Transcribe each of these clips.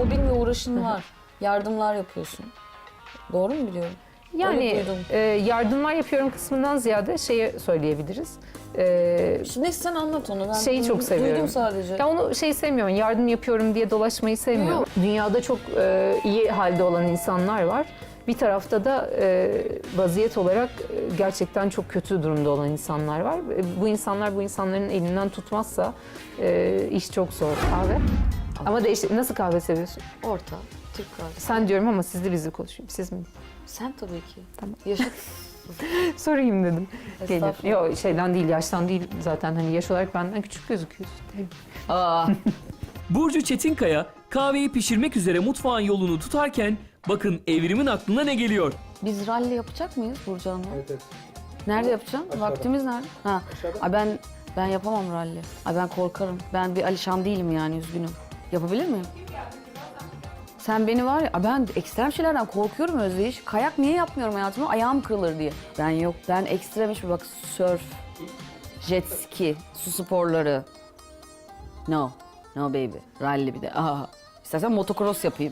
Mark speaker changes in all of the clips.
Speaker 1: hobin ve uğraşın var. Yardımlar yapıyorsun. Doğru mu biliyorum?
Speaker 2: Yani yardımlar yapıyorum kısmından ziyade şeyi söyleyebiliriz.
Speaker 1: Neyse sen anlat onu. Ben
Speaker 2: Şeyi çok seviyorum.
Speaker 1: Duydum sadece.
Speaker 2: Ya onu sevmiyorum, yardım yapıyorum diye dolaşmayı sevmiyorum.
Speaker 1: Yok.
Speaker 2: Dünyada çok iyi halde olan insanlar var. Bir tarafta da vaziyet olarak gerçekten çok kötü durumda olan insanlar var. Bu insanların elinden tutmazsa iş çok zor. Kahve. Ama nasıl kahve seviyorsun?
Speaker 1: Orta, Türk kahvesi.
Speaker 2: Sen diyorum ama sizli bizli konuşayım. Siz mi?
Speaker 1: Sen tabii ki.
Speaker 2: Tamam.
Speaker 1: Yaşa.
Speaker 2: Sorayım dedim.
Speaker 1: Estağfurullah.
Speaker 2: Yok şeyden değil, yaştan değil zaten. Hani yaş olarak benden küçük gözüküyorsun.
Speaker 1: Aa,
Speaker 3: Burcu Çetinkaya kahveyi pişirmek üzere mutfağın yolunu tutarken bakın Evrim'in aklına ne geliyor.
Speaker 1: biz ralli yapacak mıyız Burcu Hanım'la? Evet. Nerede yapacağım? Vaktimiz nerede? Ha. Ay ben yapamam ralli. Ay ben korkarım. Ben bir Alişan değilim yani, üzgünüm. Yapabilir miyim? Sen beni var ya, ben ekstrem şeylerden korkuyorum Özdeyiş. Kayak niye yapmıyorum hayatımda? Ayağım kırılır diye. Ben yok. Ben ekstrem hiçbir bak, surf, jet ski, su sporları. No. No baby. Rally bir de. Aa. İstersen motocross yapayım.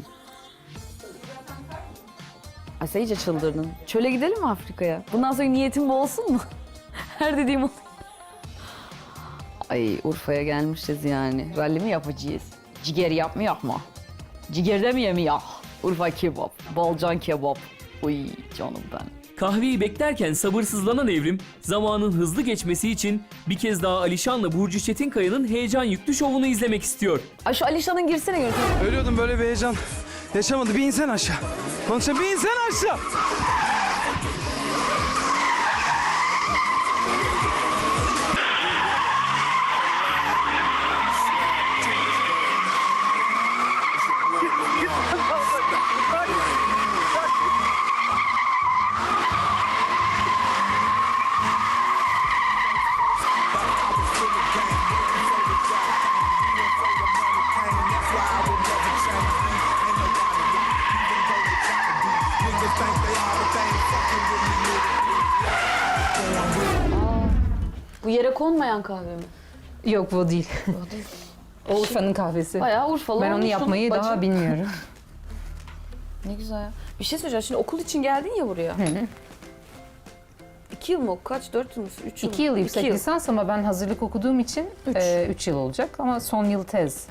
Speaker 1: Ay sen iyice çıldırdın. Çöle gidelim mi Afrika'ya? Bundan sonra niyetim bu olsun mu? Her dediğim oluyor. Ay Urfa'ya gelmişiz yani. Rally mi yapacağız? Ciger yapmıyor mu? Ciğerde mi yemiyor? Urfa kebap, Balcan kebap. Uy canım ben.
Speaker 3: Kahveyi beklerken sabırsızlanan Evrim, zamanın hızlı geçmesi için bir kez daha Alişan'la Burcu Çetinkaya'nın heyecan yüklü şovunu izlemek istiyor.
Speaker 1: Ay şu Alişan'ın girsene görüntü.
Speaker 4: Ölüyordum, böyle bir heyecan yaşamadı. Bir insen aşağı. Konuşalım, bir insen aşağı.
Speaker 1: Bu yere konmayan kahve mi?
Speaker 2: Yok bu değil. O Urfa'nın kahvesi.
Speaker 1: Bayağı Urfalı
Speaker 2: Ben onu
Speaker 1: olmuşsun
Speaker 2: yapmayı
Speaker 1: bacım.
Speaker 2: daha bilmiyorum.
Speaker 1: Ne güzel ya. Bir şey söyleyeceğim. Şimdi okul için geldin ya buraya. 2 yıl mı? Kaç? 4 yıl mı? 3 yıl mı?
Speaker 2: 2 yıl yüksek
Speaker 1: 2 yıl.
Speaker 2: lisans ama ben hazırlık okuduğum için 3 yıl olacak ama son yıl tez.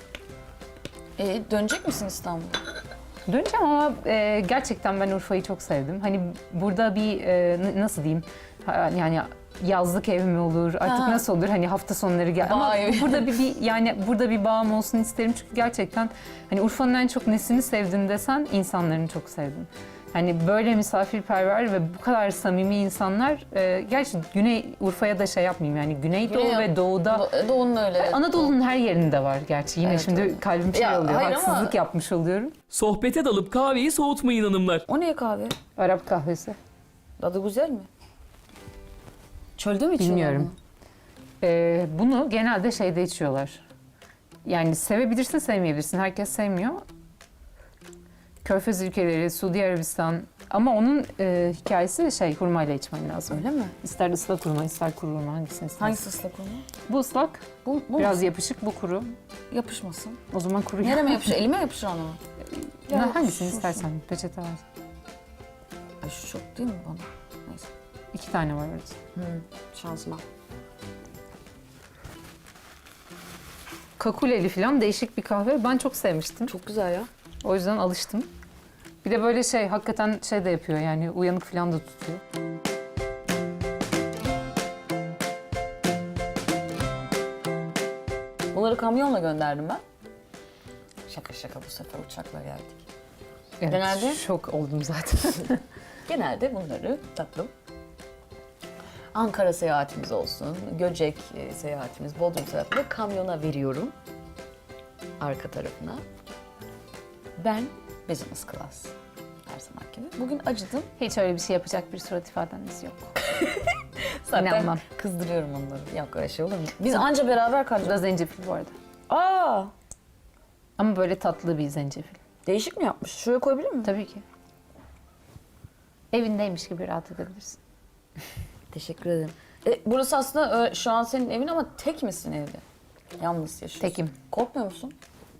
Speaker 1: Dönecek misin İstanbul'a?
Speaker 2: Döneceğim ama gerçekten ben Urfa'yı çok sevdim. Hani burada bir nasıl diyeyim, yani yazlık ev mi olur artık
Speaker 1: Ha.
Speaker 2: nasıl olur, hani hafta sonları gel ama
Speaker 1: Vay.
Speaker 2: burada yani burada bir bağım olsun isterim çünkü gerçekten hani Urfa'nın en çok nesini sevdin desen insanlarını çok sevdim. Hani böyle misafirperver ve bu kadar samimi insanlar, gerçi Güney Urfa'ya da şey yapmayayım yani Güneydoğu ve Doğu'da
Speaker 1: Doğu'nun öyle.
Speaker 2: Anadolu'nun her yerinde var gerçi. Yine
Speaker 1: Evet,
Speaker 2: şimdi
Speaker 1: evet.
Speaker 2: kalbim şey
Speaker 1: Ya,
Speaker 2: oluyor.
Speaker 1: hayır ama-
Speaker 2: Haksızlık yapmış oluyorum.
Speaker 3: Sohbete dalıp kahveyi soğutmayın hanımlar.
Speaker 1: O ne kahve?
Speaker 2: Arap kahvesi.
Speaker 1: Tadı güzel mi? Çölde mi içiyorlar
Speaker 2: Bilmiyorum. Bunu genelde şeyde içiyorlar. Yani sevebilirsin, sevmeyebilirsin. Herkes sevmiyor. Körfez ülkeleri, Suudi Arabistan. Ama onun hikayesi hurmayla içmen lazım.
Speaker 1: Öyle mi?
Speaker 2: İster ıslak hurma, ister kuru hurma, hangisini istersin?
Speaker 1: Hangisi ıslak onu?
Speaker 2: Bu ıslak,
Speaker 1: Bu
Speaker 2: biraz
Speaker 1: mu?
Speaker 2: yapışık, bu kuru.
Speaker 1: Yapışmasın.
Speaker 2: O zaman kuru.
Speaker 1: Nereme yapışır? Elime yapışır ama.
Speaker 2: Hangisini
Speaker 1: şu.
Speaker 2: istersen, peçete var.
Speaker 1: Ay şu çok değil mi bana? Neyse.
Speaker 2: 2 tane var orada.
Speaker 1: Şansıma.
Speaker 2: Kakuleli falan değişik bir kahve. Ben çok sevmiştim.
Speaker 1: Çok güzel ya.
Speaker 2: O yüzden alıştım. Bir de böyle hakikaten de yapıyor yani uyanık falan da tutuyor.
Speaker 1: Bunları kamyonla gönderdim ben. Şaka şaka, bu sefer uçakla geldik.
Speaker 2: Evet,
Speaker 1: Genelde-
Speaker 2: şok oldum zaten.
Speaker 1: Genelde bunları tatlım. Ankara seyahatimiz olsun, Göcek seyahatimiz, Bodrum seyahatimiz kamyona veriyorum. Arka tarafına. Ben business class. Her zaman gibi. Bugün acıdım.
Speaker 2: Hiç öyle bir şey yapacak bir surat ifadeniz yok.
Speaker 1: Zaten
Speaker 2: İnanmam.
Speaker 1: kızdırıyorum onları. Yok öyle şey olur mu? Biz anca beraber
Speaker 2: Bu da
Speaker 1: kalacağız.
Speaker 2: zencefil bu arada.
Speaker 1: Aa,
Speaker 2: Ama böyle tatlı bir zencefil.
Speaker 1: değişik mi yapmış? Şuraya koyabilir miyim?
Speaker 2: Tabii ki. Evindeymiş gibi rahat edebilirsin.
Speaker 1: Teşekkür ederim. Burası aslında şu an senin evin ama tek misin evde? Yalnız yaşıyorsun.
Speaker 2: Tekim.
Speaker 1: Korkmuyor musun?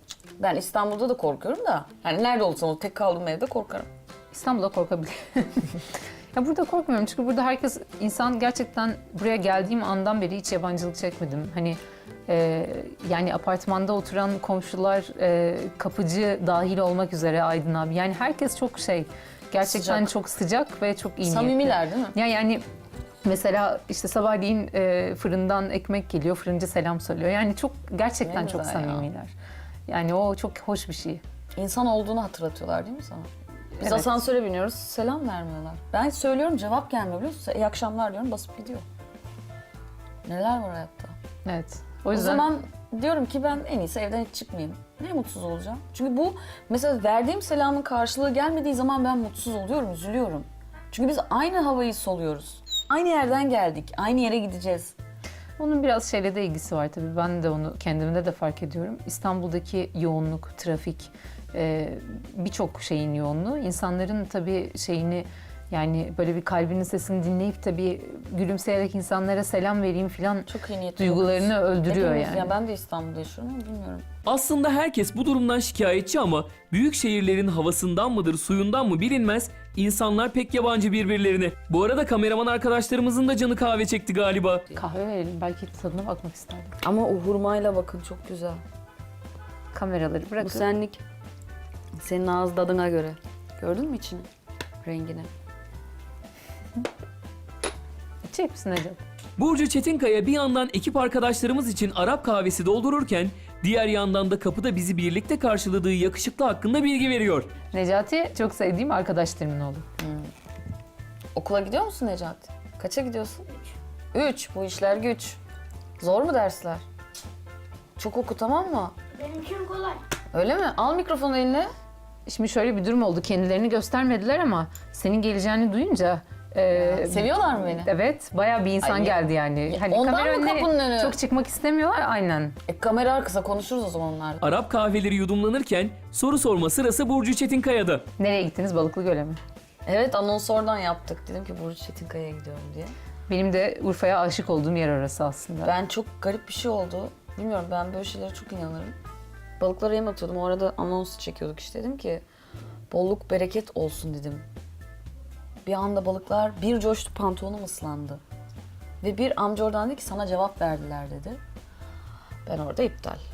Speaker 1: Ben İstanbul'da da korkuyorum da. Yani nerede olsam o tek kaldığım evde korkarım.
Speaker 2: İstanbul'da korkabilir. Ya burada korkmuyorum çünkü burada herkes insan gerçekten buraya geldiğim andan beri hiç yabancılık çekmedim. Hani yani apartmanda oturan komşular, kapıcı dahil olmak üzere Aydın abi. Yani herkes çok gerçekten
Speaker 1: Sıcak.
Speaker 2: çok sıcak ve çok iyi niyetli.
Speaker 1: Samimiler değil mi?
Speaker 2: Yani mesela işte sabahleyin fırından ekmek geliyor, fırıncı selam söylüyor. Yani çok gerçekten
Speaker 1: Ne
Speaker 2: çok
Speaker 1: güzel ya.
Speaker 2: samimiler. Yani o çok hoş bir şey.
Speaker 1: İnsan olduğunu hatırlatıyorlar değil mi sana? Biz
Speaker 2: Evet.
Speaker 1: asansöre biniyoruz, selam vermiyorlar. Ben söylüyorum, cevap gelmiyor biliyor musun? İyi akşamlar diyorum, basıp gidiyor. Neler var hayatta?
Speaker 2: Evet. O
Speaker 1: O
Speaker 2: yüzden
Speaker 1: zaman diyorum ki ben en iyisi evden hiç çıkmayayım. Ne mutsuz olacağım? Çünkü bu mesela verdiğim selamın karşılığı gelmediği zaman ben mutsuz oluyorum, üzülüyorum. Çünkü biz aynı havayı soluyoruz. Aynı yerden geldik, aynı yere gideceğiz.
Speaker 2: onun biraz şeyle de ilgisi var tabii. Ben de onu kendimde de fark ediyorum. İstanbul'daki yoğunluk, trafik, birçok şeyin yoğunluğu. İnsanların tabii yani böyle bir kalbinin sesini dinleyip tabii gülümseyerek insanlara selam vereyim falan
Speaker 1: Çok iyi niyetli
Speaker 2: duygularını
Speaker 1: oluyoruz.
Speaker 2: öldürüyor
Speaker 1: Hepimiz,
Speaker 2: yani.
Speaker 1: ya ben de İstanbul'da yaşıyorum ama bilmiyorum.
Speaker 3: Aslında herkes bu durumdan şikayetçi ama büyük şehirlerin havasından mıdır, suyundan mı bilinmez, insanlar pek yabancı birbirlerine. Bu arada kameraman arkadaşlarımızın da canı kahve çekti galiba.
Speaker 2: Kahve verelim. Belki tadına bakmak isterdim.
Speaker 1: Ama o hurmayla bakın çok güzel.
Speaker 2: Kameraları
Speaker 1: Bu
Speaker 2: bırakın.
Speaker 1: senlik. Senin ağız tadına göre. Gördün mü içini? Rengini.
Speaker 2: İçecek misin Necat?
Speaker 3: Burcu Çetinkaya bir yandan ekip arkadaşlarımız için Arap kahvesi doldururken diğer yandan da kapıda bizi birlikte karşıladığı yakışıklı hakkında bilgi veriyor.
Speaker 2: Necati çok sevdiğim arkadaşlarımın oğlu.
Speaker 1: Okula gidiyor musun Necati? Kaça gidiyorsun? 3. Bu işler güç. Zor mu dersler? Çok oku tamam mı?
Speaker 5: Benim için kolay.
Speaker 1: Öyle mi? Al mikrofonu eline.
Speaker 2: Şimdi şöyle bir durum oldu. Kendilerini göstermediler ama senin geleceğini duyunca
Speaker 1: Seviyorlar mı beni?
Speaker 2: evet, bayağı bir insan
Speaker 1: Ay,
Speaker 2: geldi yani. Hani
Speaker 1: ondan
Speaker 2: kamera
Speaker 1: mı
Speaker 2: önüne
Speaker 1: kapının önü?
Speaker 2: çok çıkmak istemiyorlar aynen.
Speaker 1: Kamera arkasında konuşuruz o zaman onlarla.
Speaker 3: Arap kahveleri yudumlanırken soru sorma sırası Burcu Çetinkaya'da.
Speaker 2: Nereye gittiniz? Balıklıgöl'e mi?
Speaker 1: Evet anons oradan yaptık. Dedim ki Burcu Çetinkaya'ya gidiyorum diye.
Speaker 2: Benim de Urfa'ya aşık olduğum yer orası aslında.
Speaker 1: Ben çok garip bir şey oldu. Bilmiyorum ben böyle şeylere çok inanırım. Balıklara yem atıyordum. O arada anons çekiyorduk işte. Dedim ki bolluk bereket olsun dedim. Bir anda balıklar bir coştu, pantolonum ıslandı. Ve bir amca oradan dedi ki sana cevap verdiler dedi. Ben orada iptal.